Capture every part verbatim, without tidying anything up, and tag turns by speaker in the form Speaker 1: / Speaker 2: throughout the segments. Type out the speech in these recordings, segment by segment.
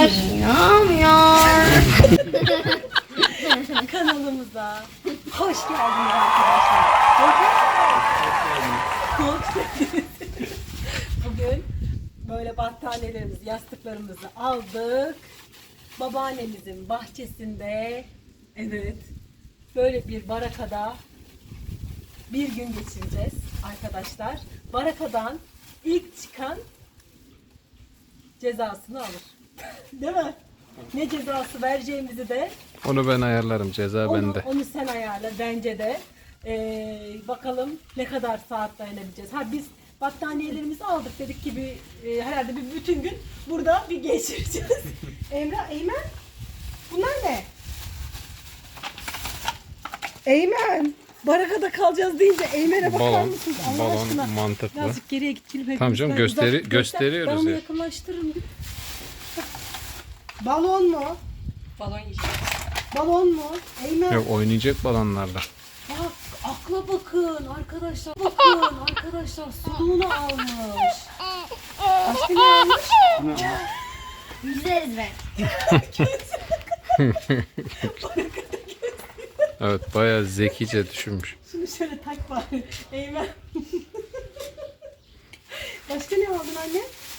Speaker 1: Arkadaşlar.
Speaker 2: Kanalımıza hoş geldiniz arkadaşlar. Hoş geldiniz. Bugün böyle battaniyelerimizi, yastıklarımızı aldık. Babaannemizin bahçesinde, evet, böyle bir barakada bir gün geçireceğiz arkadaşlar. Barakadan ilk çıkan cezasını alır. Değil mi? Ne cezası vereceğimizi de
Speaker 1: Onu ben ayarlarım. Ceza
Speaker 2: onu,
Speaker 1: bende.
Speaker 2: onu sen ayarla bence de. Ee, bakalım ne kadar saat dayanabileceğiz. Ha biz battaniyelerimizi aldık, dedik ki bir e, herhalde bir bütün gün burada bir geçireceğiz. Emrah, Eymen, bunlar ne? Eymen, barakada kalacağız deyince Eymen'e bakar
Speaker 1: Balon,
Speaker 2: mısınız Allah
Speaker 1: balon
Speaker 2: aşkına?
Speaker 1: mantıklı.
Speaker 2: Birazcık geriye git gülüm.
Speaker 1: Tamam canım,
Speaker 2: Hepimizden
Speaker 1: gösteri-
Speaker 2: uzak-
Speaker 1: gösteriyoruz
Speaker 2: Ben onu
Speaker 1: ya.
Speaker 2: yakınlaştırırım. Balon mu?
Speaker 3: Balon yiyeceğiz.
Speaker 2: Balon mu? Eymen.
Speaker 1: Yok, oynayacak balonlarla.
Speaker 2: Bak, akla bakın arkadaşlar, bakın arkadaşlar, suluğunu almış. Başka ne almış?
Speaker 4: Yüzeriz ben.
Speaker 1: Evet, bayağı zekice düşünmüş.
Speaker 2: Şunu şöyle tak bari. Eymen. Başka ne aldın anne?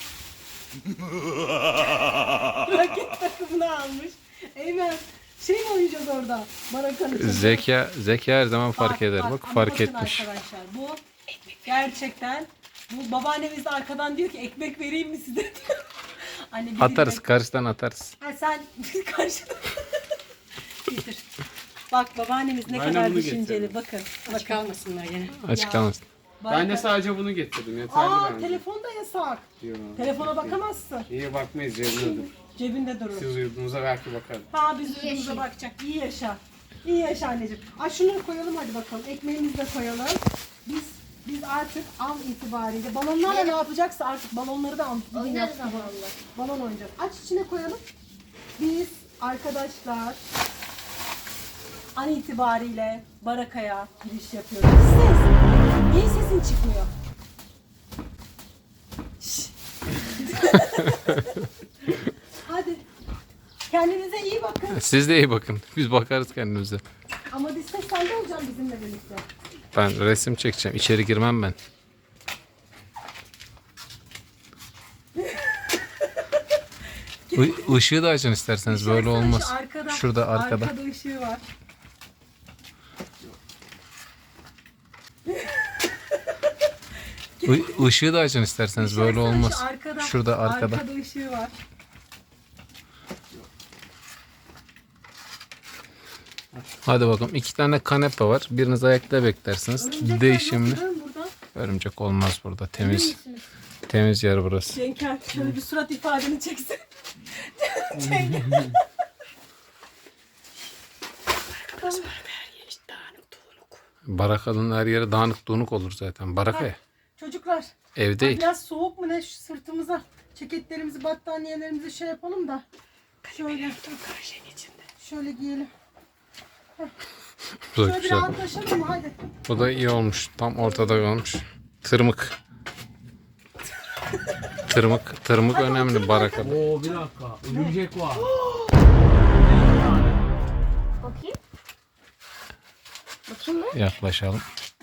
Speaker 2: Raket takımını almış. Eymen, şey mi oynayacağız orada? Barakanın içinde.
Speaker 1: Zeka, zeka her zaman fark eder. Bak,
Speaker 2: ama
Speaker 1: fark
Speaker 2: bakın
Speaker 1: etmiş.
Speaker 2: Arkadaşlar bu gerçekten, bu babaannemiz de arkadan diyor ki ekmek vereyim mi size? Anne, bir
Speaker 1: Atarız,
Speaker 2: ekmek-
Speaker 1: karşıdan atarız.
Speaker 2: Ha, sen karşıdan. Getir. Bak babaannemiz ne
Speaker 5: Ben de
Speaker 2: kadar
Speaker 5: bunu
Speaker 2: düşünceli.
Speaker 5: getirdim.
Speaker 2: Bakın.
Speaker 3: Aç
Speaker 2: Bakın.
Speaker 3: kalmasınlar gene.
Speaker 1: Açıklamasın.
Speaker 5: Ben de
Speaker 2: Baraka-
Speaker 5: sadece bunu getirdim. Yeterli
Speaker 2: Aa,
Speaker 5: bence.
Speaker 2: telefon da yasak.
Speaker 5: Diyor.
Speaker 2: Telefona bakamazsın.
Speaker 5: İyi bakmayız cebine dur.
Speaker 2: Cebinde durur.
Speaker 5: Siz uyuduğunuzda belki bakarım.
Speaker 2: Ha, biz yüzümüze bakacak. İyi yaşa. İyi yaşa anneciğim. Ay, şunları koyalım hadi bakalım. Ekmeğimizi de koyalım. Biz biz artık an itibariyle balonlarla ne yapacaksa artık balonları da an
Speaker 4: Oynarız ama Allah.
Speaker 2: balon oynayacağız. Aç, içine koyalım. Biz arkadaşlar an itibariyle barakaya giriş yapıyoruz. Ses. Niye sesin çıkmıyor? Şşş. Hadi. Kendinize iyi bakın.
Speaker 1: Siz de iyi bakın. Biz bakarız kendimize.
Speaker 2: Ama biz ses sende olacaksın bizimle birlikte.
Speaker 1: Ben resim çekeceğim. İçeri girmem ben. I- ışığı da açın isterseniz. Böyle
Speaker 2: Şöyle
Speaker 1: olmaz.
Speaker 2: şu arkada,
Speaker 1: Şurada arkada.
Speaker 2: Arkada ışığı var.
Speaker 1: I- Işığı da açın isterseniz. Böyle
Speaker 2: Şöyle şu
Speaker 1: olmaz.
Speaker 2: arkada,
Speaker 1: Şurada arkada.
Speaker 2: Arkada ışığı var.
Speaker 1: Hadi bakalım. İki tane kanepe var. Biriniz ayakta beklersiniz.
Speaker 2: Örümcekler
Speaker 1: Değişimli.
Speaker 2: nasıl lan burada?
Speaker 1: Örümcek olmaz burada. Temiz.
Speaker 2: misiniz?
Speaker 1: Temiz yer burası.
Speaker 2: Cenker, şöyle bir surat ifadeni çeksin. Cenker.
Speaker 1: Barakanın her yeri dağınık donuk olur zaten. Baraka ya.
Speaker 2: Çocuklar,
Speaker 1: Ev değil.
Speaker 2: biraz soğuk mu ne, şu sırtımıza ceketlerimizi, battaniyelerimizi şey yapalım da. Şöyle, şöyle giyelim.
Speaker 1: Bu da
Speaker 2: Şöyle bir
Speaker 1: güzel.
Speaker 2: rahatlaşalım mı? Hadi.
Speaker 1: Bu da iyi olmuş. Tam ortada olmuş. Tırmık. Tırmık. Tırmık önemli barakada.
Speaker 5: Oo bir dakika. Örümcek var.
Speaker 4: Bakayım. Bakayım mı?
Speaker 1: Yaklaşalım.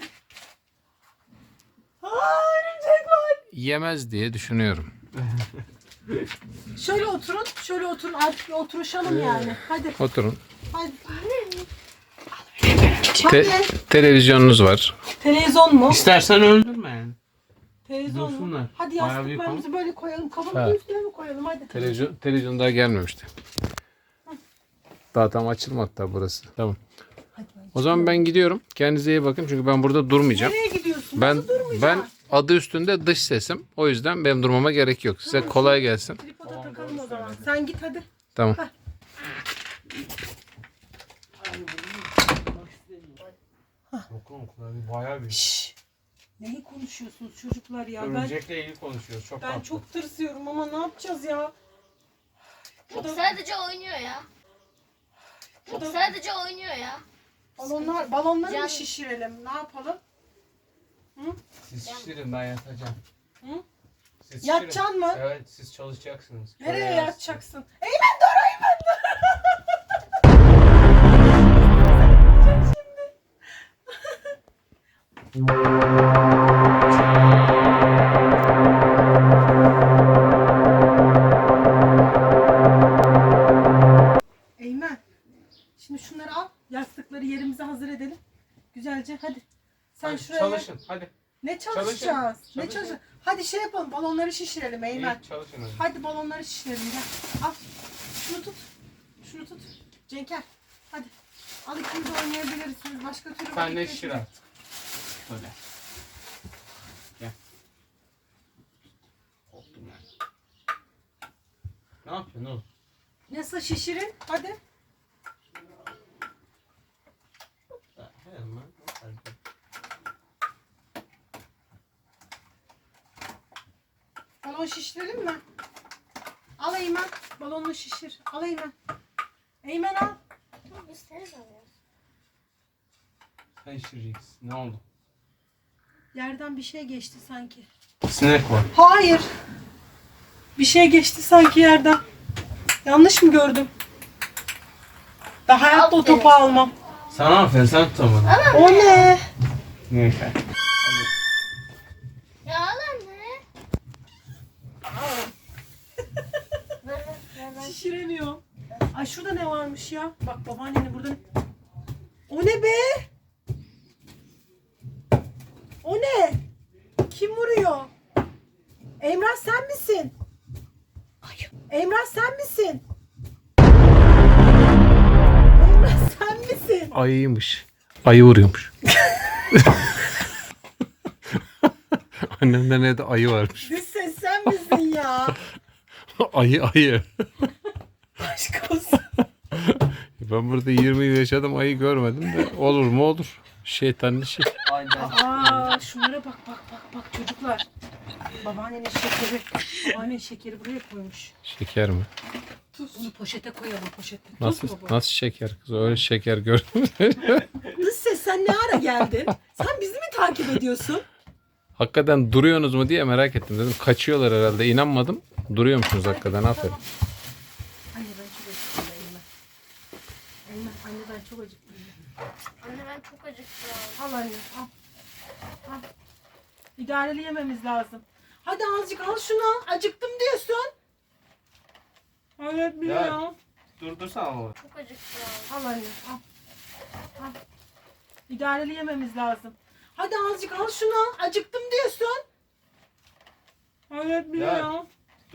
Speaker 2: Aa, örümcek var.
Speaker 1: Yemez diye düşünüyorum.
Speaker 2: Şöyle oturun, şöyle oturun. Artık bir oturuşalım yani. Hadi,
Speaker 1: Oturun.
Speaker 2: hadi.
Speaker 1: Te-
Speaker 2: Hadi.
Speaker 1: televizyonunuz var.
Speaker 2: Televizyon mu?
Speaker 5: İstersen öldürme.
Speaker 2: Televizyon mu?
Speaker 5: Dursunlar.
Speaker 2: Hadi
Speaker 5: Bayağı büyük
Speaker 2: yastıklarımızı böyle koyalım. Kafamızın
Speaker 1: Ha.
Speaker 2: üstüne mi koyalım? Hadi.
Speaker 1: Televizyon, televizyon daha gelmemişti. Daha tam açılmadı tabi burası. Tamam.
Speaker 2: Hadi ben-
Speaker 1: O zaman ben gidiyorum. Kendinize iyi bakın. Çünkü ben burada durmayacağım.
Speaker 2: Nereye gidiyorsun?
Speaker 1: Ben
Speaker 2: Nasıl durmayacaksın?
Speaker 1: ben adı üstünde dış sesim. O yüzden benim durmama gerek yok. Size kolay gelsin.
Speaker 2: Tripoda takalım o zaman. Sen git hadi.
Speaker 1: Tamam.
Speaker 5: Bakalım kulağı bayağı büyük.
Speaker 2: Şşş. Neyi konuşuyorsunuz çocuklar ya? Ben
Speaker 5: Örümcekle ilgili konuşuyoruz. Çok
Speaker 2: ben
Speaker 5: tatlı.
Speaker 2: çok tırsıyorum ama ne yapacağız ya?
Speaker 4: Yok, sadece oynuyor ya. Yok, sadece oynuyor ya.
Speaker 2: Balonlar, balonları
Speaker 4: Can-
Speaker 2: mı şişirelim? Ne yapalım?
Speaker 5: Siz şişirin, ben yatacağım.
Speaker 2: Hı?
Speaker 5: Siz
Speaker 2: Yatacaksın
Speaker 5: şişirin.
Speaker 2: mı?
Speaker 5: Evet siz çalışacaksınız.
Speaker 2: Nereye
Speaker 5: Böyle
Speaker 2: yatacaksın? Eymen dur Eymen dur. Eymen. Şimdi şunları al. Yastıkları yerimize hazır edelim. Güzelce hadi. Sen
Speaker 5: Hadi
Speaker 2: şuraya.
Speaker 5: çalışın hadi.
Speaker 2: Ne
Speaker 5: Çalışın,
Speaker 2: çalışacağız? Ne
Speaker 5: çalışın.
Speaker 2: çalışacağız? Hadi şey yapalım. Balonları şişirelim Eymen.
Speaker 5: İyi çalışın hadi.
Speaker 2: Hadi balonları şişirelim gel. Al. Şunu tut. Şunu tut. Cenker. Hadi. Al ikimiz de oynayabilirsiniz. Başka türlü
Speaker 5: Sen de
Speaker 2: vakit
Speaker 5: şişir
Speaker 2: geçirmeyin.
Speaker 5: artık. Şöyle. Gel. Korktum yani. Ne yapıyorsun oğlum?
Speaker 2: Nasıl şişirin? Hadi.
Speaker 5: Hemen.
Speaker 2: Balon şişirelim mi? Al Eymen. Balonunu şişir. Al Eymen. Eymen al.
Speaker 4: Biz seni alıyoruz.
Speaker 5: Sen şişireceksin. Ne oldu?
Speaker 2: Yerden bir şey geçti sanki.
Speaker 5: Sinek var.
Speaker 2: Hayır. Bir şey geçti sanki yerden. Yanlış mı gördüm? Ben hayatta o topu almam.
Speaker 5: Sana aferin sen tutamadın.
Speaker 2: O ne?
Speaker 5: Neyse.
Speaker 4: Ya al anne. Ver ver ver ver.
Speaker 2: Şişiremiyorum. Ay şurada ne varmış ya? Bak babaannenin burada. O ne be? O ne? Kim vuruyor? Emrah sen misin? Emrah sen misin? Emrah sen misin?
Speaker 1: Ayıymış. Ayı vuruyormuş. Annemde ne de ayı varmış.
Speaker 2: Dış ses sen misin ya?
Speaker 1: Ayı ayı.
Speaker 2: Aşk olsun.
Speaker 1: Ben burada yirmi yıl yaşadım, ayı görmedim de olur mu olur. Şeytanın işi.
Speaker 2: Aa şunlara bak bak bak bak çocuklar. Babaannenin şekeri. Babaannenin şekeri buraya koymuş.
Speaker 1: Şeker mi?
Speaker 2: Bunu poşete koyalım poşete. Tuz
Speaker 1: Nasıl
Speaker 2: mu bu?
Speaker 1: nasıl şeker kız? Öyle şeker gördüm.
Speaker 2: Dış ses sen ne ara geldin? Sen bizi mi takip ediyorsun?
Speaker 1: Hakikaten duruyorsunuz mu diye merak ettim. Dedim kaçıyorlar herhalde. İnanmadım. Duruyormuşsunuz hakikaten. Aferin.
Speaker 2: Anne ben çok acıktım Eymen. Eymen anne ben çok acıktım.
Speaker 4: Anne ben çok acıktım.
Speaker 2: Al anne al. Al. İdareli yememiz lazım. Hadi azıcık al şunu. Acıktım diyorsun. Evet biliyorum.
Speaker 5: Durdursana oğlum.
Speaker 4: Çok acıktım.
Speaker 2: Al anne al. Al. İdareli yememiz lazım. Hadi azıcık al şunu. Acıktım diyorsun. Evet biliyorum.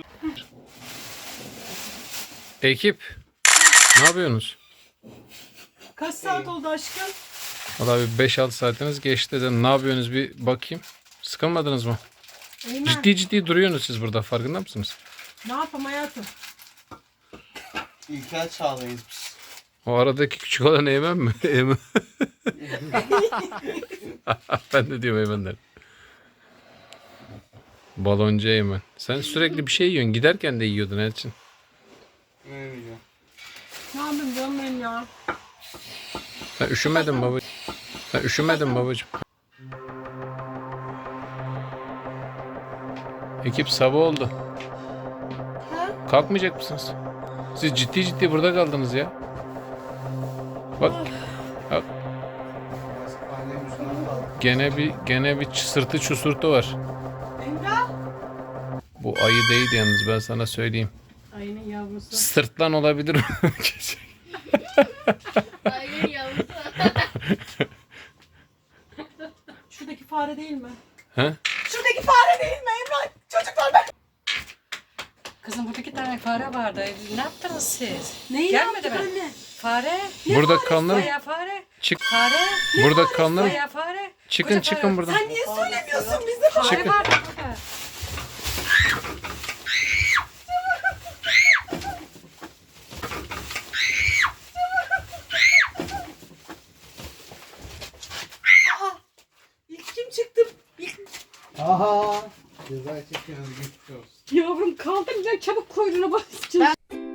Speaker 1: Ekip. Ne yapıyorsunuz?
Speaker 2: Kaç saat oldu aşkım?
Speaker 1: Valla bir beş altı saatiniz geçti. Dedim, ne yapıyorsunuz bir bakayım. Sıkılmadınız mı?
Speaker 2: Eymen.
Speaker 1: Ciddi ciddi duruyorsunuz siz burada. Farkında mısınız?
Speaker 2: Ne yapayım hayatım?
Speaker 5: İlkel çağdayız biz.
Speaker 1: O aradaki küçük olan Eymen mi? Eymen. Ben de diyorum Eymen derim. Baloncu Eymen. Sen sürekli bir şey yiyorsun. Giderken de yiyordun Elçin.
Speaker 5: Ne bileyim.
Speaker 2: Ne yapayım canım benim ya?
Speaker 1: Sen üşümedin babacığım. Sen üşümedin babacığım. Ekip sabah oldu.
Speaker 2: Ha?
Speaker 1: Kalkmayacak mısınız? Siz ciddi ciddi burada kaldınız ya. Bak. Bak.
Speaker 5: Annem yüzünden kaldı.
Speaker 1: Gene bir gene bir sırtı çusurtu var.
Speaker 2: Emrah.
Speaker 1: Bu ayı değil yalnız, ben sana söyleyeyim.
Speaker 2: Ayının yavrusu.
Speaker 1: Sırtlan olabilir.
Speaker 4: Hayır yavrum.
Speaker 2: Şuradaki fare değil mi?
Speaker 1: He?
Speaker 2: Şuradaki fare değil mi Emrah? Çocuklar ben.
Speaker 3: Kızım burada iki tane fare vardı. Ne yaptınız siz?
Speaker 2: Neyi
Speaker 3: Gelmedi
Speaker 2: yaptık
Speaker 3: mi?
Speaker 2: anne?
Speaker 3: Fare.
Speaker 1: Burada kalın.
Speaker 3: Bayağı fare.
Speaker 1: Çık.
Speaker 3: Fare.
Speaker 1: Burada kalın.
Speaker 3: Bayağı fare.
Speaker 1: Çıkın
Speaker 3: Koca
Speaker 1: çıkın
Speaker 3: fare.
Speaker 1: buradan.
Speaker 2: Sen niye söylemiyorsun bize?
Speaker 3: Fare
Speaker 1: Çıkın.
Speaker 3: var burada.
Speaker 2: İlk kim çıktı? İlk...
Speaker 5: Aha. Ceza çekiyoruz. Geçmiş olsun.
Speaker 3: Yavrum kaldıracak çabuk kuyruğuna basacağız.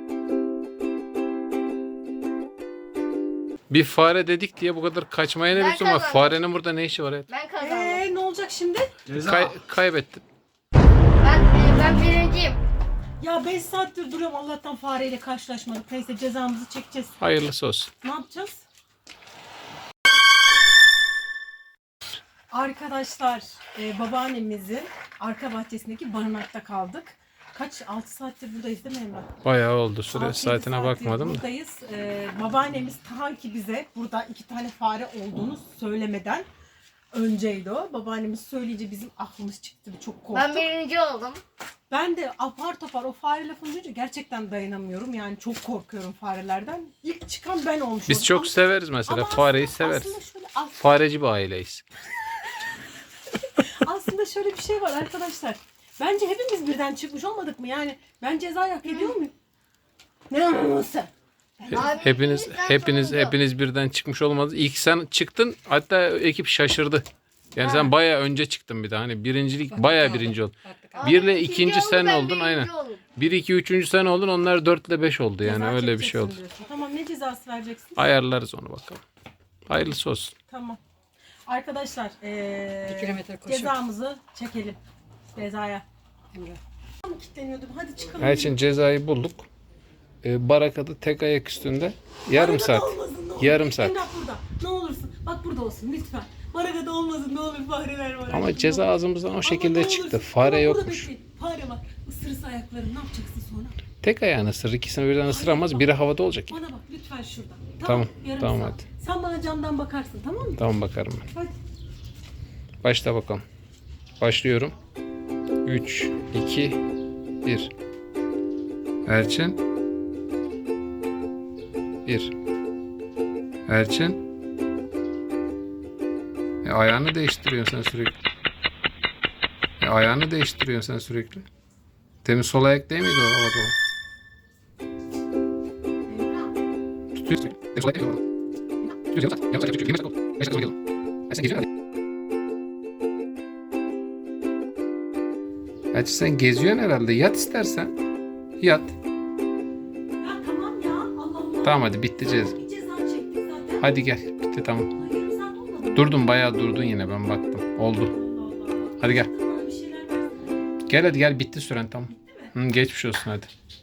Speaker 1: Bir fare dedik diye bu kadar kaçmaya ne
Speaker 4: Ben
Speaker 1: lüzum var?
Speaker 4: kazandım.
Speaker 1: Farenin burada ne işi var? Evet.
Speaker 4: Ben kazandım.
Speaker 2: Ee, ne olacak şimdi?
Speaker 5: Ceza.
Speaker 1: Kay- kaybettin.
Speaker 4: Ben, e, Ben birinciyim.
Speaker 2: Ya beş saattir duruyorum, Allah'tan fareyle karşılaşmadık. Neyse cezamızı çekeceğiz.
Speaker 1: Hayırlısı olsun.
Speaker 2: Ne yapacağız? Arkadaşlar e, babaannemizin arka bahçesindeki barınakta kaldık. Kaç? altı saattir buradayız değil mi Emrah?
Speaker 1: Bayağı oldu. Süre
Speaker 2: altı yedi
Speaker 1: saatine
Speaker 2: saattir
Speaker 1: bakmadım da.
Speaker 2: Buradayız. Ee, babaannemiz ta ki bize burada iki tane fare olduğunu söylemeden önceydi o. Babaannemiz söyleyince bizim aklımız çıktı. Çok korktuk.
Speaker 4: Ben birinci oldum.
Speaker 2: Ben de apar topar o fare lafını duyunca gerçekten dayanamıyorum. Yani çok korkuyorum farelerden. İlk çıkan ben olmuş
Speaker 1: Biz
Speaker 2: oldum.
Speaker 1: çok
Speaker 2: Ama-
Speaker 1: severiz mesela.
Speaker 2: ama
Speaker 1: Fareyi
Speaker 2: aslında-
Speaker 1: severiz.
Speaker 2: Aslında şöyle, as-
Speaker 1: Fareci bir aileyiz.
Speaker 2: aslında şöyle bir şey var arkadaşlar. Bence hepimiz birden çıkmış olmadık mı? Yani ben cezayı hak ediyor muyum? Ne anlamıyorsun?
Speaker 4: Abi,
Speaker 1: Hepiniz
Speaker 4: bizden
Speaker 1: hepiniz
Speaker 4: sonuncu.
Speaker 1: hepiniz birden çıkmış olmadınız. İlk sen çıktın. Hatta ekip şaşırdı. Yani
Speaker 2: Ha.
Speaker 1: sen bayağı önce çıktın bir de. Hani birincilik bayağı birinci oldun.
Speaker 3: Baktık
Speaker 4: Abi,
Speaker 1: Bir ile
Speaker 4: ikinci
Speaker 1: ikinci
Speaker 4: oldu,
Speaker 1: sen
Speaker 4: ben
Speaker 1: oldun,
Speaker 4: birinci
Speaker 1: aynen.
Speaker 4: oldum.
Speaker 1: Bir, iki, üçüncü sen oldun. Onlar dört ile beş oldu yani.
Speaker 2: Ceza
Speaker 1: Öyle bir şey
Speaker 2: çekeceksin
Speaker 1: oldu.
Speaker 2: diyorsun. Tamam, ne cezası vereceksin?
Speaker 1: Ayarlarız onu bakalım. Hayırlısı olsun.
Speaker 2: Tamam. Arkadaşlar ee,
Speaker 3: Bir kilometre koşu.
Speaker 2: cezamızı çekelim. Cezaya.
Speaker 3: Emre.
Speaker 2: Tam kilitleniyordum. Hadi çıkalım.
Speaker 1: Her için cezayı bulduk. Ee, barakada tek ayak üstünde yarım
Speaker 2: Barakada
Speaker 1: saat.
Speaker 2: olmasın, ne olur.
Speaker 1: Yarım saat.
Speaker 2: Emrah burada. Ne olursun. Bak burada olsun lütfen. Barakada olmasın, ne olur, fareler var.
Speaker 1: Ama
Speaker 2: Ne
Speaker 1: ceza
Speaker 2: olur.
Speaker 1: ağzımızdan o
Speaker 2: Ama
Speaker 1: şekilde
Speaker 2: ne
Speaker 1: çıktı.
Speaker 2: olursun.
Speaker 1: Fare
Speaker 2: Ama burada
Speaker 1: yokmuş.
Speaker 2: bekleyin. Fare var. Isırırsa ayaklarım ne yapacaksın sonra?
Speaker 1: Tek ayağını ısırır. İkisini birden ısıramaz. Biri havada olacak.
Speaker 2: Bana bak lütfen şurada.
Speaker 1: Tamam,
Speaker 2: yarım
Speaker 1: tamam
Speaker 2: saat.
Speaker 1: hadi.
Speaker 2: Sen bana camdan bakarsın, tamam mı?
Speaker 1: Tamam bakarım ben.
Speaker 2: Hadi.
Speaker 1: Başla bakalım. Başlıyorum. üç, iki, bir. Elçin. bir. Elçin. E, ayağını değiştiriyorsun sen sürekli. E, ayağını değiştiriyorsun sen sürekli. Demin sol ayak değil miydi o havada olan? Tutuyorsun. Demin sol ayak değil miydi o? Tutuyorsun. Yavaş yavaş. yirmi dakika oldu. beş dakika sonra geliyorum. E, sen geziyorsun hadi. Elçin sen geziyorsun herhalde. Yat istersen. Yat.
Speaker 2: Ya tamam ya. Allah Allah.
Speaker 1: Tamam hadi bitti ceza.
Speaker 2: Bir ceza çektik zaten.
Speaker 1: Hadi gel. Bitti tamam.
Speaker 2: Ay, yarım saat olmadı mı?
Speaker 1: Durdun bayağı durdun yine ben baktım. Oldu.
Speaker 2: Allah Allah.
Speaker 1: Hadi gel.
Speaker 2: Bana bir şeyler versene.
Speaker 1: Gel hadi gel bitti süren tamam. Hı, geçmiş olsun hadi.